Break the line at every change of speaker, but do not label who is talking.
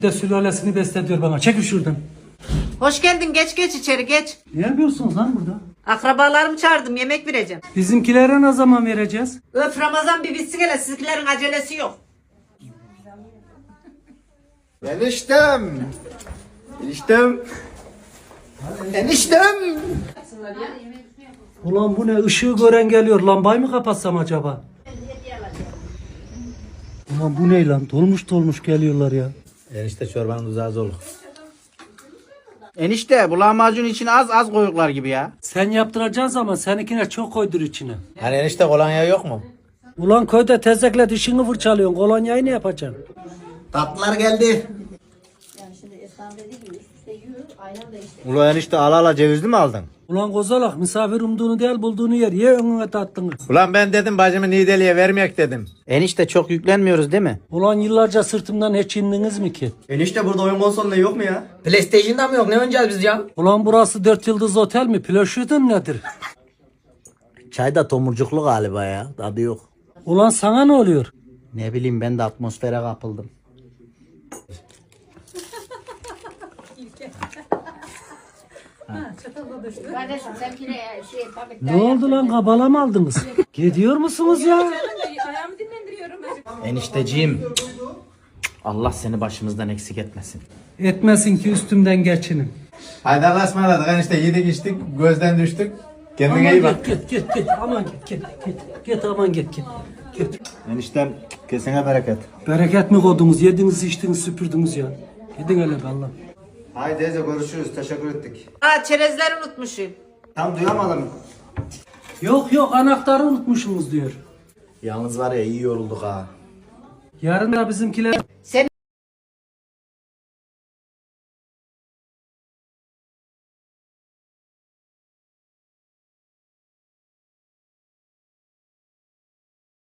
de sülalesini beslediyor bana. Çekil şuradan.
Hoş geldin, geç içeri geç.
Ne yapıyorsunuz lan burada?
Akrabalarımı çağırdım, yemek vereceğim.
Bizimkilere ne zaman vereceğiz?
Öf, Ramazan bir bitsin hele, sizinkilerin acelesi yok.
Eniştem. Eniştem. Eniştem.
Ulan bu ne? Işığı gören geliyor. Lambayı mı kapatsam acaba? Ulan bu ne lan? Dolmuş geliyorlar ya.
Enişte çorbanın tuzağı zorluk. Enişte bu lahmacun içine az koyuklar gibi ya.
Sen yaptıracaksın ama seninkine çok koydur içine.
Hani enişte kolonya yok mu?
Ulan köyde tezekle dişini fırçalıyorsun. Kolonyayı ne yapacaksın?
Tatlılar geldi. Ulan enişte ala cevizli mi aldın?
Ulan kozalak misafir umduğunu değil bulduğunu yer. Ye önüne tattığını.
Ulan ben dedim bacımı Nideli'ye vermeyek dedim. Enişte çok yüklenmiyoruz değil mi?
Ulan yıllarca sırtımdan hiç indiniz mi ki?
Enişte burada oyun konsolunda yok mu ya? PlayStation'da mı yok? Ne oynayacağız biz ya?
Ulan burası 4 yıldız otel mi? Plöşüdün nedir?
Çay da tomurcuklu galiba ya. Tadı yok.
Ulan sana ne oluyor?
Ne bileyim ben de atmosfere kapıldım.
Kardeşim sen pire
Ne oldu lan kabala mı aldınız? Gidiyor musunuz ya?
ayağımı dinlendiriyorum.
Enişteciğim. Allah seni başımızdan eksik etmesin.
Etmesin ki üstümden geçinin.
Haydi Allah'a ısmarladık enişte yedik içtik gözden düştük.
Aman
Kendine iyi bak.
git aman git aman git.
Eniştem kesine bereket.
Bereket mi koydunuz? Yediniz içtiniz süpürdünüz ya. Gidin hele Allah.
Haydi teyze görüşürüz. Teşekkür ettik.
Aa, çerezleri unutmuşum.
Tam duyamadım.
Yok anahtarı unutmuşsunuz diyor.
Yalnız var ya iyi yorulduk ha.
Yarın da bizimkiler